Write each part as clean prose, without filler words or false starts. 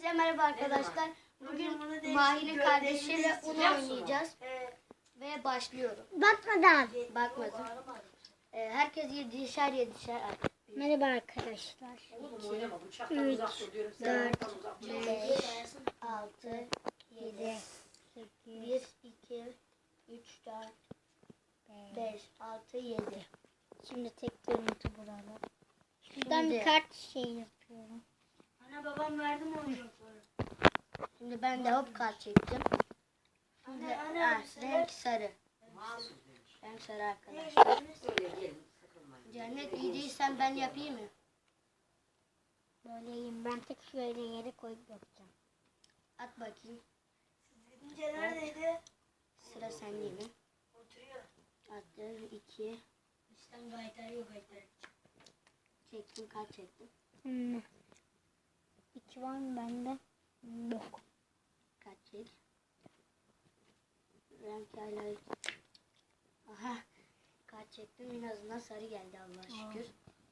Herkese merhaba arkadaşlar. Bugün Mahir'in kardeşiyle Uno oynayacağız. Ve başlıyorum. Bakmadan. Bakmadım. Herkes 7'şer. Merhaba arkadaşlar. 3, 4, 5, 6, 7, 1, 2, 3, 4, 5, 6, 7. Şimdi tek görüntü burada. Şuradan bir kart yapıyorum. Ana babam verdi mi oyuncakları? Şimdi ben de hop kart çektim. Şimdi renk sarı. Renk sarı arkadaşlar. Cennet iyi değilsen ben yapayım mı? Böyleyim. Ben tek şöyle yere koyup yapacağım. At bakayım. İnce neredeydi? Sıra sende mi? Oturuyor. Attım 2. İşten gayetler yok gayetler. Çektim kart çektim. 2 var mı bende? Yok. Kart çek. Renk hala. Aha. Kart çektim en azından sarı geldi Allah'a şükür.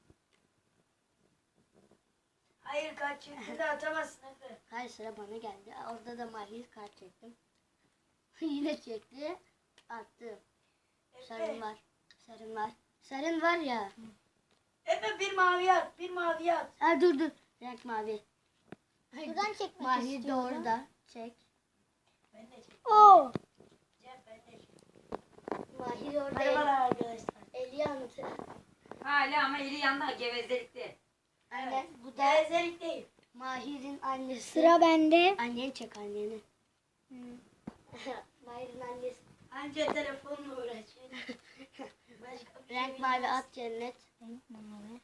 Hayır kaç çıktı da atamazsın Efe. Hayır sıra bana geldi. Orada da Mahir kart çektim. Yine çekti. Attım. Sarın var. Sarın var. Sarın var ya. Efe bir mavi at. Bir mavi at. Ha dur. Renk mavi. Buradan çekmek Mahir de istiyorum. orada. Çek. Ben de çek. Oo. Cem ben de çek. Mahir orada. Merhabalar arkadaşlar. Eli yandı. Hala ama eli yanında gevezelikte. Anne bu da Gevezelik değil. Mahir'in annesi. Sıra bende. Anneni çek anneni. Mahir'in annesi. Anca telefonla uğraşıyor. Başka bir Renk şey mavi at Cennet. Renk mavi.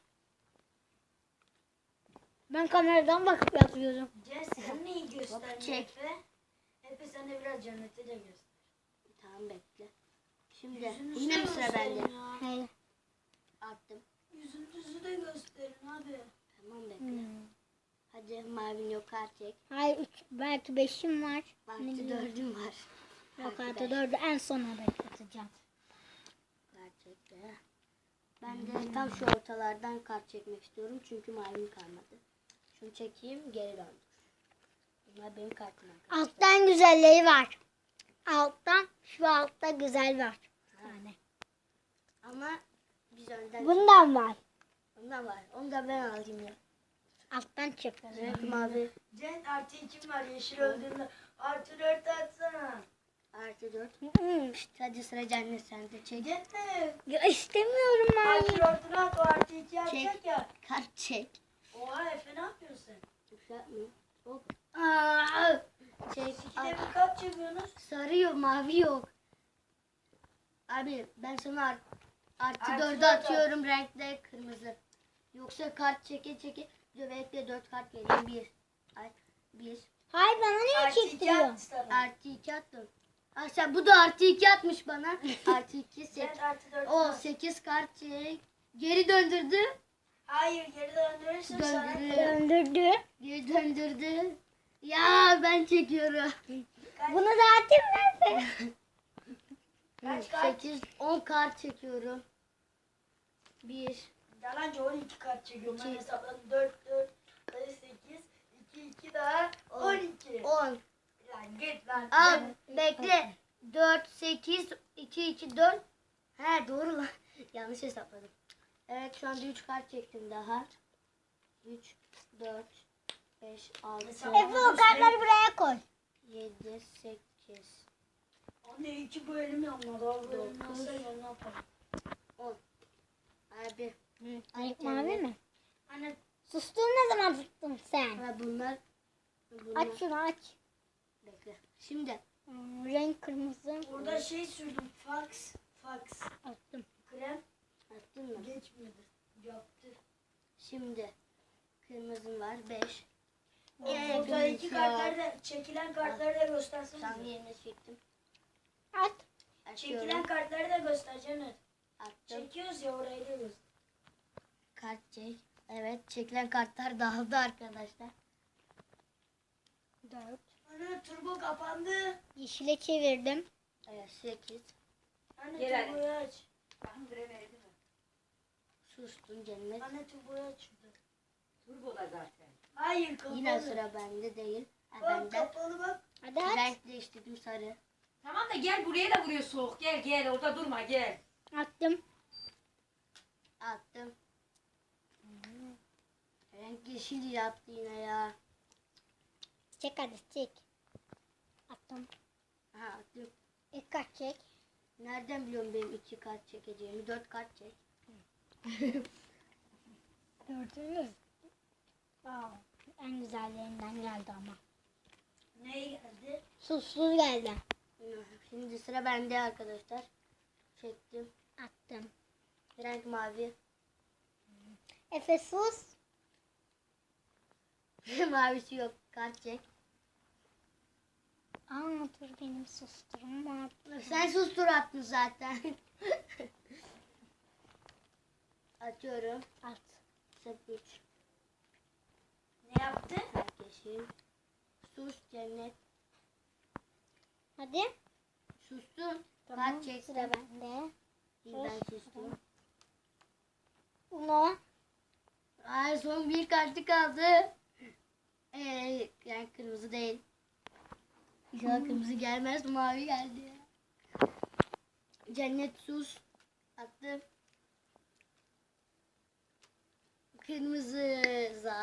Ben kameradan bakıp yapıyorum. Cem sen neyi gösterdin çek. Efe? Efe sen de biraz cenneti de göster. Tamam bekle. Şimdi Yüzünüzü yine mi de sıra gösterin bende? ya. Hayır. Attım. Yüzünüzü de gösterin abi. Tamam bekle. Hadi mavin yok kart çek. Hayır 3 belki 5'im var. Artı Ne bileyim. 4'üm var. Yok artı 4'ü en sona bekleteceğim. Kart çekti. Ben de tam şu ortalardan kart çekmek istiyorum. Çünkü mavim kalmadı. Şunu çekeyim geri döndür. Bunlar benim kartım arkadaşlar. Alttan güzelleri var. Alttan şu altta güzel var. Yani. Ama biz önden Bundan var. ondan var. Onu da ben alayım ya. Alttan çıkıyor. Renk mavi. Cem artı 2 var yeşil öldüğünde. Artı 4 atsana. Artı 4. Hadi sıra cennet sende. Çek. Cennet. Ya istemiyorum Artı abi. 4'ünü at o artı 2 atacak Çek. ya. Kart çek. Oha Efe ne yapıyorsun sen? Şey yapmayayım. Hop. Aa! Çek. İkide bir kaç çekiyorsunuz? Sarı yok, mavi yok. Abi ben sana artı Artı 4'ü dört atıyorum renkte kırmızı. Yoksa kart çeke bekle 4 kart vereyim. 1. Hayır bana niye Artı 2 çektiriyor? at sana. Artı 2 attım. Ha sen bu da artı 2 atmış bana. Artı 2 Cem artı 4 O at. 8 kart çek. Geri döndürdü. Hayır geri döndürürsün sana. Döndürdü. Geri döndürdü. Ya ben çekiyorum. Bunu zaten verdi. Kaç kart? 8 10 kart çekiyorum. 1 Yalancı 12 kart çekiyorum. Ben İki. hesapladım. 4 8 2 daha 12. 10. Lan git lan. Al bekle. 4 8 2 4. He doğru lan. Yanlış hesapladım. Evet şu anda 3 kart çektim daha. 3 4 5 6 Efe o kartları buraya koy. 7 8 Anne 2 bölüm yanmadı. Abi bölüm Dokuz. yansa ya ne yapalım? 10. Abi. Renk mavi mi? Anne Sustun ne zaman tuttun sen? Ha bunlar. Aç şunu aç. Bekle. Şimdi Renk kırmızı. orada şey sürdüm. Fax. Attım. Krem attın mı? geçmedi. Yaptı. Şimdi kırmızım var 5. Ortadaki kartları da çekilen kartları da göstersene. Tam yerine çektim. At. Açıyorum. Çekilen kartları da göster Cennet. Attım. Çekiyoruz ya orayı da göster. Kart çek. Evet çekilen kartlar dağıldı arkadaşlar. 4. Anne turbo kapandı. Yeşile çevirdim. Evet 8. Anne Gel turboyu aç. Bakın verdi mi? Sustun cennet. Anne turboyu aç şurada. Turbo da zaten. Hayır kapalı. Yine sıra bende değil. Bak Bende. kapalı bak. Hadi at. Renk değiştirdim sarı. Tamam da gel buraya da vuruyor soğuk. Gel gel orada durma gel. Attım. Attım. Renk yeşil yaptı yine ya. Çek hadi çek. Attım. Ha attım. İlk kart çek. Nereden biliyorum benim 2 kart çekeceğimi? 4 kart çek. Gördünüz. Aa, en güzellerinden geldi ama. Neye geldi? Susuz geldi. Şimdi sıra bende arkadaşlar. Çektim. Attım. Renk mavi. Efe sus. Mavisi yok. Kart çek. Aa dur benim susturma. Sen sustur attın zaten. Atıyorum. At. 3. Ne yaptı? Yeşil. Sus cennet. Hadi. Sustum. Tamam. Kart çektim. Sıra bende. İyi, ben sustum. Uno. Ay son bir kartı kaldı. Yani kırmızı değil. İnşallah kırmızı gelmez. Mavi geldi ya. Cennet sus. Attım. Kırmızı.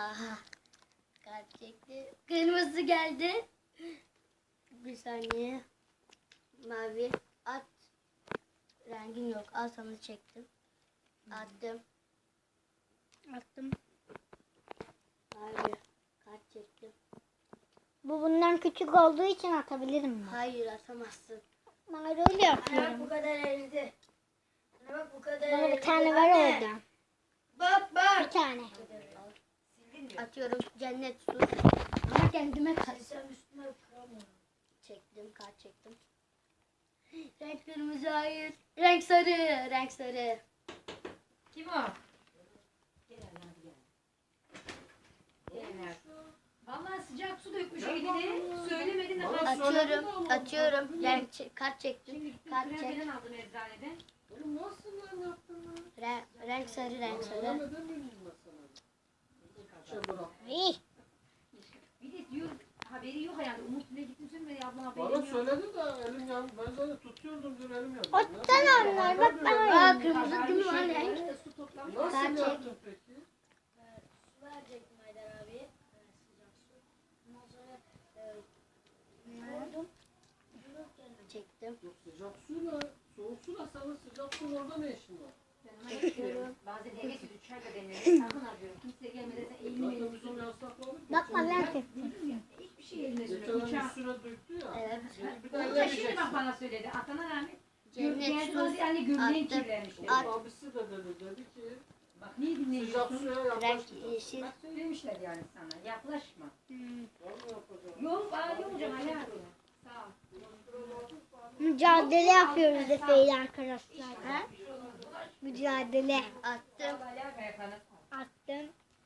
Kart çekti. Kırmızı geldi. Bir saniye. Mavi. At. Rengin yok. Al sana çektim. Attım. Attım. Mavi. Kart çektim. Bu bundan küçük olduğu için atabilirim ben. Hayır atamazsın. Ben öyle Ana bak bu yapıyorum. kadar eridi. Ana bak bu kadar Bana bir eridi. tane var Anne, orada. Bak Bir bak. tane. Sildin diyor. Atıyorum cennet sus. Ama kendime kart Sen üstüne kıramıyorum. çektim. Kart çektim. Renk kırmızı hayır. Renk sarı. Renk sarı. Kim o? Gel hadi gel. Gel. Vallahi sıcak su dökmüş eline. Söylemedin de Atıyorum. Atıyorum. Kart çektim. Şimdi Kart krem çek. falan aldım eczaneden. Renk sarı. Renk sarı. İyi. Bir de diyor haberi yok yani. Umut ne gittin söylemedi abla haberi Bana yok. söyledi de elim yandı. Ben zaten tutuyordum dün elim yandı. Ottan onlar bak ben Aa öyle. kırmızı değil mi lan Habermiş renk? yani, su toplamış. Kart Nasıl çek. yaptın peki? Su verecektim Haydar abi. Sıcak su. Ondan sonra koydum. Çektim. Yok sıcak suyla, soğuk suyla senin sıcak suyun orada ne işin var? Ben ona bakıyorum. Bazen eve gidiyor çay da deniyor. Sakın arıyorum. Kimse gelmeden sen elini Zaten elini biz onu yasakladık. Bakma ben hiçbir şey eline Geçen sürüyor. ay Uçağı. üstüne döktü ya. Evet. Bir de Onu da elle şimdi bak diyeceksin. bana söyledi. Atana rağmen. Cennet sus. Yani gömleğin Attım. kirlenmiş dedi. At. Abisi de dedi ki Bak niye sıcak dinlemiyorsun? suya Renk yaklaşma. yeşil. Bak söylemişler yani sana. Yaklaşma. Vallahi yapacağım. Yok bana yok hocam Ali abi. Sağ ol. Mücadele yapıyoruz Efe ile arkadaşlar. Ha? Mücadele. Attım. Ali abi yapana. Attım.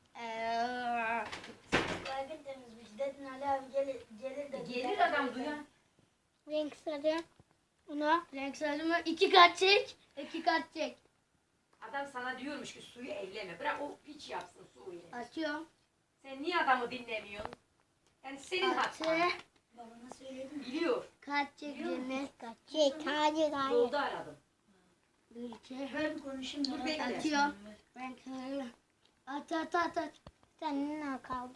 Kalbin temizmiş. Dedin Ali abi gelir de. Gelir adam duyan. Renk sarı. Uno. Renk sarı mı? 2 kart çek. 2 kart çek. Adam sana diyormuş ki suyu elleme. Bırak o piç yapsın suyu. Atıyorum. Sen niye adamı dinlemiyorsun? Yani senin Attı. hatan. Babana söyledim. Biliyor. Kart çek cennet. Çek. Hayır hayır. Yolda aradım. 1 2. Ben konuşayım. Dur merak bekle. etme. Atıyorum. Renk sarı. At. Senin ne kaldı?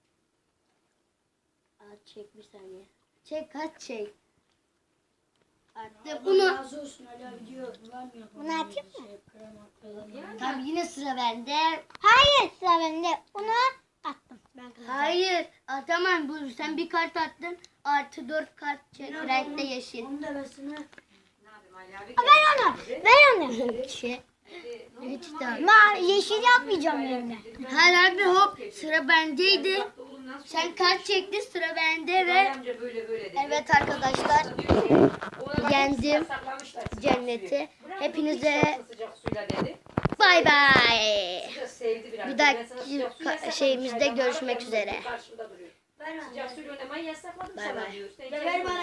At çek bir saniye. Çek kart çek. Attım. Allah Bunu. razı olsun Ali abi diyor. Güvenmiyor. Bunu atayım mı? Krema falan. Yani Tamam yine sıra bende. Hayır sıra bende. Uno. Attım. Ben kazandım. Hayır atamam. Bu sen bir kart attın. Artı 4 kart çek. Renk de yeşil. Onun devesini ne yapayım Ali abi? Ver onu. Ver onu. Şey. Hiç de. Ma yeşil yapmayacağım yerine. Her abi hop sıra bendeydi. Sen kart çektin sıra bende ve Amca böyle böyle dedi. evet arkadaşlar yendim cenneti. Hepinize Sıcak suyla dedi. bay bay. Sıcak sevdi biraz. Bir Ben dahaki sana sıcak su yasakladım, şeyimizde çaydan görüşmek bana üzere. karşımda duruyor. ver Sıcak suyla oynamayı yasakladım Bay sana bay. diyor. Sen Ver bana